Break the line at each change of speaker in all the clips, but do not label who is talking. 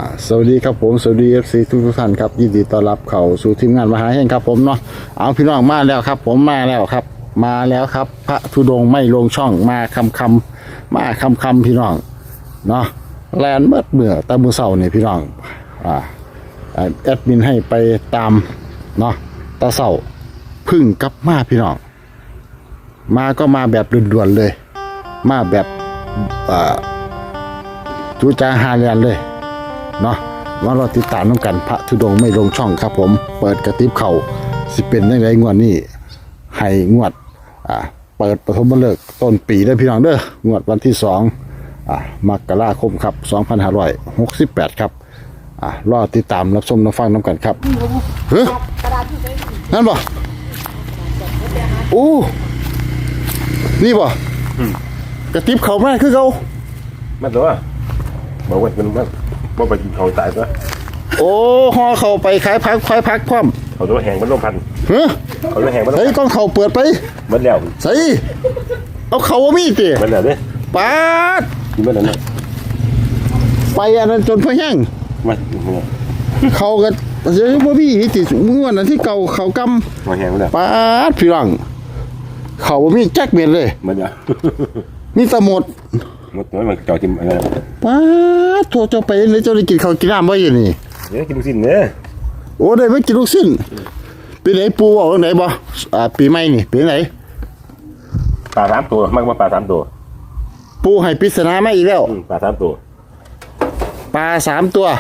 สวัสดีครับผมสวัสดี FC ทุกท่านครับยินดีต้อนรับเข้าสู่ทีมงานมหาแห่งครับผมเนาะเอาพี่น้องมาแล้วครับผมมาแล้วครับมาแล้วครับพระธุดงค์ไม่ลงช่องมาคำมาคำพี่น้องเนาะแลนเมื่อตะมือเสาเนี่ยพี่น้องแอดมินให้ไปตามเนาะตะเสาพึ่งกลับมาพี่น้องมาก็มาแบบด่วนๆเลยมาแบบจูจาฮาเรียนเลยเนาะว่าเราติดตามน้ำกันพระธุดงค์ไม่ลงช่องครับผมเปิดกระติบเข่าสิเป็นยังไงงวดนี้ให้งวดเปิดปฐมฤกษ์ต้นปีได้พี่น้องเด้องวดวันที่2มกราคมครับ2568ครับรอติดตามรับชมรับฟังน้ำกันครับเฮ้ยนั่นบ่โอ้นี่บ่กระติบเข่าแม่คือเขา
ไม่ตัวบอกว่ามันว่าไปกินเขาตายซะ
โอ้ห่อเข้าไปขายพักพร้อม
เขาตัวแหงมันลมพัน
เฮ้ย
เขาตัวแหงมันลม
ใส่กล้องเขาเปิดไป
มันแล้ว
ใส่เอาเขาว่ามีด
มันแล้วเนี่ย
ปาด
กินมันแล้ว
ไปอันนั้นจนพะแห้ง
มัน
เขาก็เดี๋ยวพ่อพี่ติดมือวันนั้นที่เก่าเขาก
ำมันแหงมันแล้ว
ปาดพี่รังเขาว่ามีแจ็คเบ็ดเลย
มันแล้ว
มีสมุด
หมดตัวมันจ่อจิ้มอะไร
ปาดโทรเจ้าไปเลยเจ้าได้กินข้าวกินน้ำบ่อยู่นี่
เดี๋ยวกินลูกชิ้นเนี่ย
โอ้ได้ไม่กินลูกชิ้นปีไหนปูออกไหนบ่ปีใหม่นี่ปีไหน
ปลา3 ตัวมากกว่าปลา3 ตัว
ปูให้ปริศนามาอีกแล้ว
ปลา3 ตัว
ปลา3 ตัว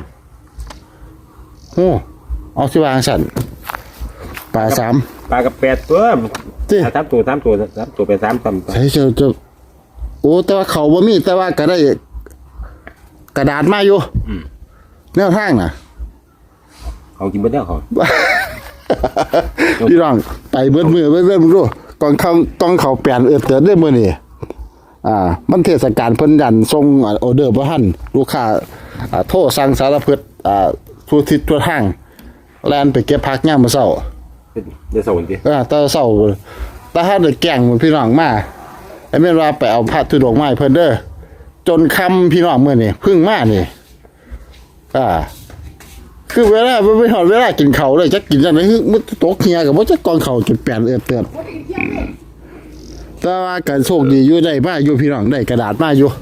โอ้เอาสิวางสั่นปลา3
ปลากับ8 ตัว3 ตัว3 ตัว3 ตัวเป็น3 ตัว
ใช่เจ้าโอ้แต่ว่าเขาบ่มีแต่ว่าก็ได้กระดาษมาอยู่แนวทางน่ะ
เขากินไปแล้วเขา
พี่น้องไปเบิดมือมึงดูกองเขาแปลนเตือนได้มื้อนี้มันเทศกาลเพิ่นยันส่งออเดอร์บ่ทันลูกค้าโทรสั่งสารพัดทั่วทิศทั่วทางแล่นไปเก็บผักยามมื้อเช้า
ได้ส่งติ
ตอนเช้าแต่ถ้าได้แกล้งพี่น้องมาไอ้แม่นว่าไปเอาพระธุดงค์มาให้เพิ่นเด้อจนค่ำพี่น้องมื้อนี้เพิ่งมานี่คือเวลาไม่หอดเวลากินข้าวเลยจักกินจังได๋มึตกเหียก็บ่จักกองข้าวกินแปลนเตือนแต่ว่าการโชคดีอยู่ได้มาอยู่พี่น้องได้กระดาษมาอยู่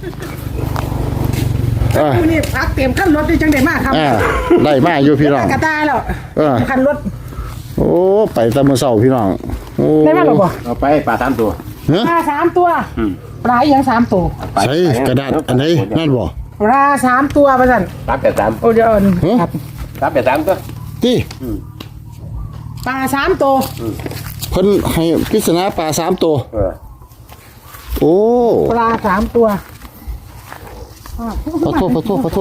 นี่พักเตรียมขั้นรถด้วยจังได้มากครับ
ได้มาอยู่พี่น้อง
กระตายแล้วขั้นรถ
โอ้ไปตะมื้อเช้าพี่น้องโอ้
ได้มาหรอบ่
เอาไปปลา3 ตัว
ปลา3 ตัวปลาอย่าง3 ตัว
ใช่กระดาษอันไหนนั่นบ่
ปลา3 ตัวว่าซั่น
383
โอ้เดี๋ยว
ครับ383ตัว
ติ
ปลา3 ตัว
เพิ่นให้ปริศนาปลา3 ตัวโอ้
ปลา3 ตัว
ขอโทษไป
ปลา8ตัว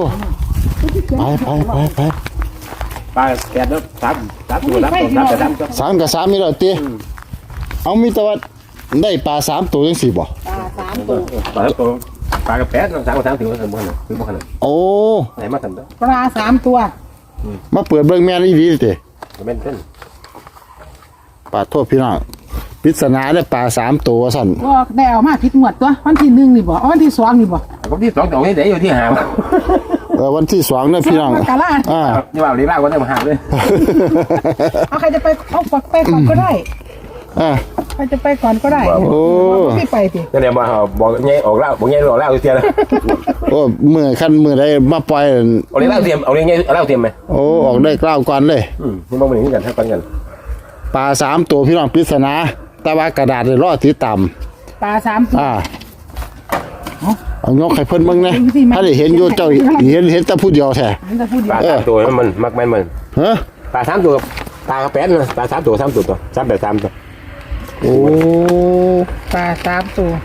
3 ตัว
3กับ3นี่แล้วติเอามีแต่ว่าได้ปลา3 ตัวจังซี่บ่
ปลา3 ตัว
ปลากับ8 3 กับ3ถือว่าสมบูรณ์คือบ่ขนาด
โอ้
ไหนมาทำเด้อ
ปลา3 ตัว
มาเปิดเบิ่งแม่นอีหลีติ
แม่นเพิ่น
ปลาโทษพี่น้องปริศนาได้ปลา3 ตัวซั่น
บ่ได้เอามาผิดงวดตัววันที่1นี่บ่วันที่2นี่บ่
วันที่2ตรงนี้ได้อยู่ที่5
วันที่2เนี่ยพี่น้อง
นี่ว่าลีลาก็ได้มาหาเลย
เอาใครจะไปเอาฝักไปก่อนก็ได้ใครจะไปก่อนก็ได้
โอ้
ไม่ไปสิ
นั่นแหละมาบอกแง่ออกแล้วบอกแง่ออกแล้วเสียแล้ว
โอ้มือขั้นมือได้มาปล่อย
เอาเลี้ยงเทียมเอาเลี้ยงเล่าเทียมไหม
โอ้ออกได้กล้าวก่อนเลย
นี่มองไปอย่างนี้กันเท่ากัน
ปลา3 ตัวพี่น้องปริศนาแต่ว่ากระดาษเลยรอดที่ต่
ำปลา3 ตัว
เอายกให้เพิ่นเบิ่งนะถ้าได้เห็นอยู่เจ้าเห็นแต่ผู้เดียวแท้
ปลา3 ตัวมันมักแม่นมันปลา3 ตัวปลา8นะปลา3 ตัว3 ตัว383 ตัว
โอ้
ปลา3 ตัว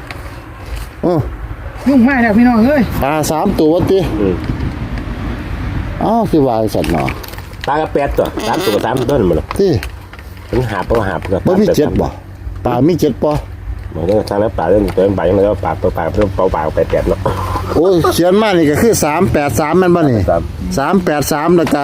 ยุ่งมากแล้วพี่น้องเอ้ย
ปลา3 ตัวติอ้าวสิว่าสัตว์เนาะ
ปลากับ8 ตัว3 ตัว3 ตัวนั่นบ่ล่ะ
ติ
ถึงหาบ่กับ
บ่มี7บ่ปลามี7บ่
บ่ได้ทางนั้นปลาเรื่องตัวใบมันแล้วปลาตัวปลาเรื่องเปล่าๆ8 เนาะ
โอ้เขียนมานี่ก็คือ383แม่นบ่นี่383แล้วก็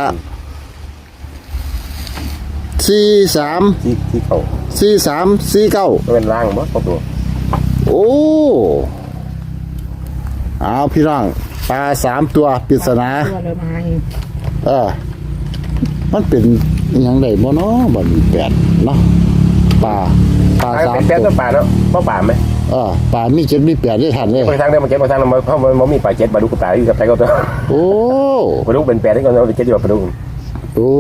4349
เป็นล่างบ่ตัว
โอ้เอาพี่น้องปลา3ตัวปริศนา
ตัวเลยมาเอง
มันเป็นอหยังไดบ่เนาะบ่มีแปดเนาะปลา
ปลา
3
แป๊ด
ตั
ตัว วปลาเนาะเพราะปลาไหม
ปลามี7มี8ได้ทันเลย
บางทางได้มาเก็บบางทางเพราะมันมีปลาเจ็ดปลาดุกกับปลาที่กับไทยก็ตัว
โอ้
ปลาดุกเป็นแปดที่ก็เราเจ็ดอยู่ปลาดุก
โอ้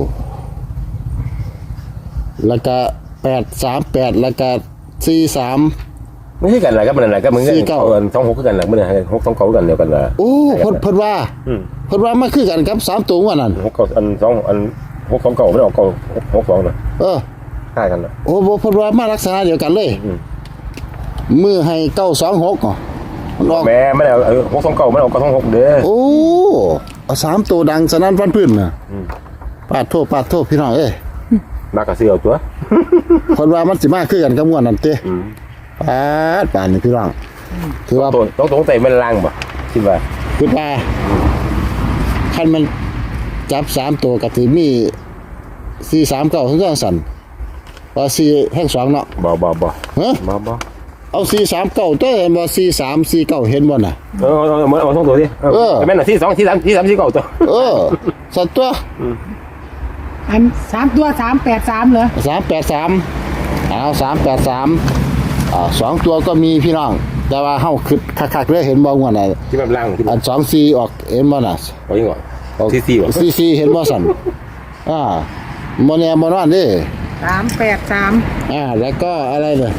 แล้วก็838แล้วก็43
ไม่ใช่กันอะไรก็มันอะไรก็มึงก็26คือกันแหละมึงเนี่ย6 2 9กันเดียวกันละ
โอ้เพิ่นว่ามาคือกันกับ3ตัวว่านั่น
6อัน2อัน6 2 9ไม่ออก6 2นะใช่กันนะ
โอ้บ่เพิ่นว่ามาลักษณะเดียวกันเลยมือให้926อ๋อมันออก
แม่ไม่ได้6 2 9ไม่ออก9 2 6เด้อ
โอ้เอา3ตัวดังสนั่นฟันพื้นน่ะปาดโทษพี่น้องเอ้ย
มากระเสือตัว
เพิ่นว่ามันสิมาคือกันกับงวดนั่นติป่านนี่พี่น้องถือว่า
ต้องตรงใจมันล่างบ่คิดว่า
คิดว่าคันมันจับ3ตัวก็สิมี439ถึงจังสั่นว่า4แห่ง2เนาะ
บ่
ฮะ
บ่
เอา439ตัวเห็นบ่4349เห็นบ่น่ะ
เอา2ตัวดิแม่นน่ะที่2ที่3ที่3ที่9ตัว
สัตว์ตัว
อัน3ตัว383เหรอ
383เอา3832ตัวก็มีพี่น้องแต่ว่าเฮาคิดคักๆเลยเห็นบ่งวดน่ะ
ที่มันล่างที่
อัน24ออกเห็นบ่น่ะ
เอายังก่อนที่4บ่
44เห็นบ่สั่นบ่แน่บ่นอนเด้
383
แล้วก็อะไรเนี่ย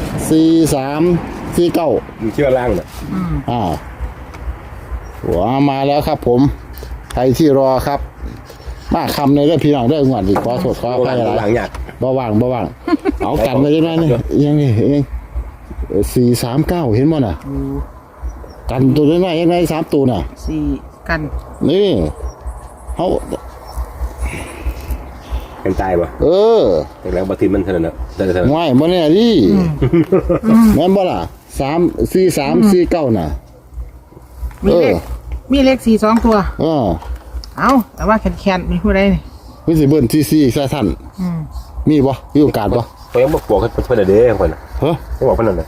4349
มีเชื่อล่างน่ะ
หัวมาแล้วครับผมใครที่รอครับมาคำในเรื่องพี่น้องเรื่องงวดอีกขอโทษขออภัยหลาย
หลังยาก
บ่ว่างเอากันมายังไงนี่ยังนี่เอง439เห็นบ่น่ะกันตัวน้อยๆยังไง3ตัวน่ะ
4กัน
นี่เฮา
เป็นตายบ่แต่แล้วบ่ทิมันเท่านั้นน่ะได้เท่านั้น
ง่ายบ่แน่ดิแม่นบ่ล่ะ4349น่ะ
มีเลข4 2ตัว เอาแต่ว่าแคนๆมีผู้ใดนี่
มีสิเบิ่นที่4ซะท่านมีบ่มีโอกาสบ่
ก็ยังบอกให้เพิ่นเด้อเพิ่นน่ะยังบอกเพิ่นนั่นน่ะ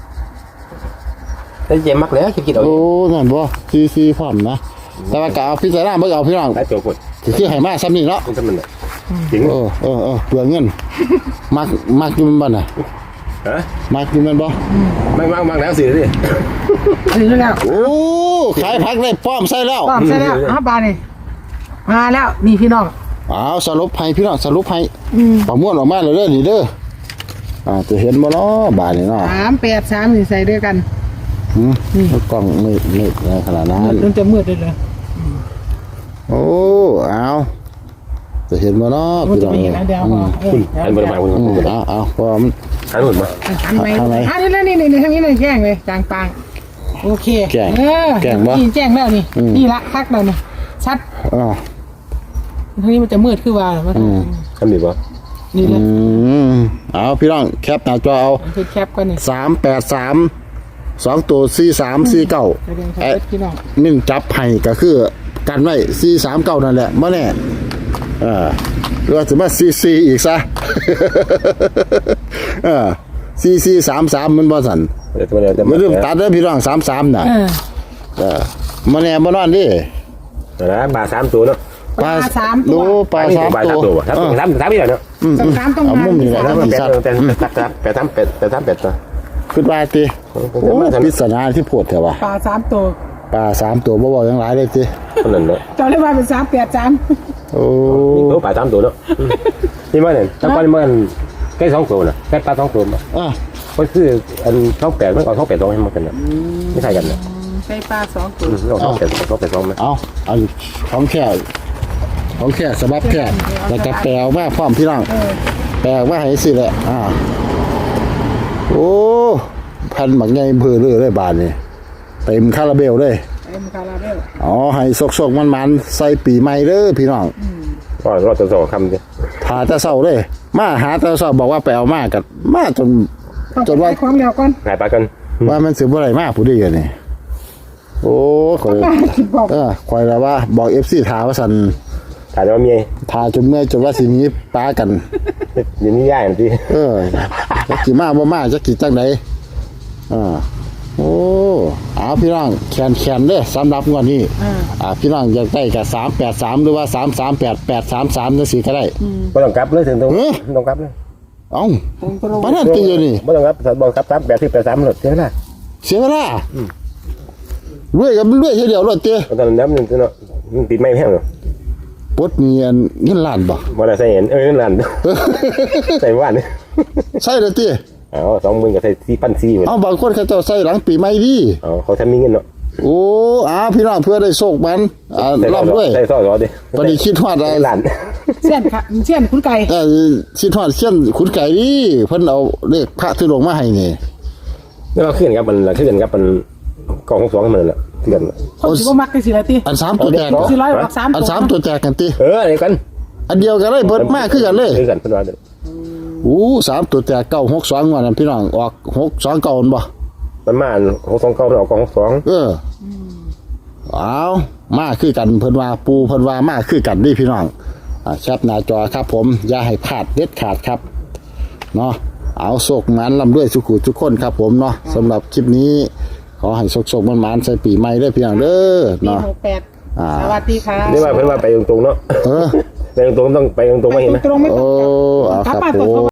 ได้เจมักแล้วคิดเอา
โอ้นั่นบ่4พร้อมนะแต่ว่าก็เอาพิจารณาเบิ่งเอาพี่น้อง
ได้ตัวพุ่น
คือให้มาซ้ำนี่เนาะ
มันทำมันน่ะจริง
เปลืองเงินมักอยู่มันบ่น่ะ
ฮะ
มักอยู่มันบ่
มักแล้วสิดิ
ถึงแล้ว
โอ้ขายผักได้พร้อมใส่แล้ว
ป้อมใช่แล้วบานี่มาแล้วนี่พี่น้อง
เอาสรุปให้พี่น้องสรุปให้ประมวลออกมาแล้วเด้อนี่เด้อจะเห็นบ่เนาะบาดนี่เนาะ
383นี่ใส่ด้วยกัน
กล้องไม่ในขนาดนั้น
มันจะมืดเลยเหรอ
โอ้เอาจะเห็นบ่เนาะ
มัน
พี่
จะ
น้อง
ไม่เห็นอันเดียวพอ
อันบ่ได้มาคุณ
เอาเพราะมัน
หันหุ่นมา
หันไปนี่ทางนี้เลยแจ้งเลยจางปางโอเคนี่แจ้งแล้วนี่ละคักแล้วนี่ชัดทางนี้มันจะมืดขึ้นว่ามัน
ทำดีบ่
นี่เลย
เอาพี่น้องแคปหน้าจอเอา
คือแคปกันนี่
383 2ตัว4349
ไปเรียนครับพี่น้อง
1จับให้ก็คือกันไว้439นั่นแหละบ่แน่หรือว่าจะมา44อีกซะ4433มันบ่สั่นมันเริ่มตัดแล้วพี่น้อง33น่ะบ่แน่บ่นอนดิ
นะปลา3ตัวเนาะ
ปลา3ตัวปลา3ตัว
3นี่แหละเนาะ
3ตรง
เอามุมนี่แหละแล้วมันสัตว์
8ตัว
คิดว่าติโอ้ปริศนาที่โพดแท้ว่ะ
ปลา3ตัว
ปลา3ตัวบ่บอกหยังหลายเลยติ
คนนั้นเนาะ
เจ้าเลยว่าเป็น383
โอ้
นี่ปลา3ตัวเนาะนี่มันเนี่ยแต่ก่อนมันแค่2ตัวน่ะแค่ปลา2ตัวมาก็คืออัน28มันเอา28ตัวให้มันกันน่ะไม่ใช่กันน่ะ
ใส่ปลา2ตัว
เอา28มั้ย
เอาของแค่สบับแค่แล้วก็แปลออกมาพร้อมพี่น้องแปลออกมาให้สิแหละโอ้พันหมักใหญ่เพื่อเลยบาทนี่เต็มคาราเบลเลย
เอ็มคาราเบล
ให้สกมันใส่ปีใหม่เด้อพี่น้อง
ก็รอด2คำดิ
หาแต่เช้าเลยมาหาแต่เช้าบอกว่าไปเอามากันมาจนว่า
ความเร็วก่อน
หายปลากัน
ว่ามันสิบ่ได้มาผู้ใดกันนี่โอ้ข่อยข่อยแล้วว่าบอก FC ถามว่าซั่น
ถ่ายว่ามี
ทาจนเมื่อยจนว่าสิมีปลากัน
อย่างนี้ย่ายนะพี่
จักกี่มาบ่มาจักกี่จังไดโอ้เอาพี่น้องแคนเด้อสำหรับงวดนี้พี่น้องอยากได้กับ383หรือว่า338 833จังซี่ก็ได้
บ่ต้องกลับเลยถึงตรงต้องกลับเลย
เอ้าปานนั้นติอยู่นี่
บ่ต้องกลับบ่กลับ3 8 10 8 3หลดเท่านั้น
เสียเวลา รวยกับรวยเทีเดียวรถเตี้ย
ตอนนั้นมันเนาะมันติดไม่แห้งหรอ
ปดเนียนเงินล้านบ่
บ่ได้ใส่เห็นนั่นใส่ว่าน
ใช่เลยเตี้ย
20,000ก็ใส่4,400เหมือน
เอาบางคนเขาเจ้าใส่หลังปีใหม่ดี
เขาทำมีเงินเนาะ
โอ้พี่น้องเพื่อได้โชคมันร่ำด้วย
ใส่ซอสดิ
ปฏิคิดฮอด
ล้าน
เส้นค่ะเส้นคุณไก่
คิดฮอดเช่นขุนไก่ดีเพิ่นเอาเลขพระธุดงค์มาให้นี่
แล้วก็ขึ้นครับมันขึ้นครับมันกอง2มันละขึ้น
คนสิบ่มักจังซี่ล่ะติ
อัน3ตัวแตก
สิร้อยออก3
อัน3ตัวแตกกันติ
อะไรกัน
อันเดียวกันเลยเบิดมากคือกันเลย
คือกันเพิ่นว่า
3ตัวแตก962ว่านั่นพี่น้องออก629บ่
มันมา629มันออกกอง2
เอามาคือกันเพิ่นว่าปูเพิ่นว่ามาคือกันนี่พี่น้องแคปหน้าจอครับผมอย่าให้พลาดเด็ดขาดครับเนาะเอาโศกมันลำด้วยสุขุทุกคนครับผมเนาะสำหรับคลิปนี้ขอให้โศกมันใส่ปีใหม่ด้วยพี่น้องเด้อ
ปี
เนาะ
68สวัสดีค่ะ
นี่ว่าเพิ่นว่าไปตรงๆเนาะไปตรงๆต้องไปตรงๆไม่เห็นไหม
ตรงไม่ตรง
เอา
กลับ
ครับ
มา
ผ
ตรง
ม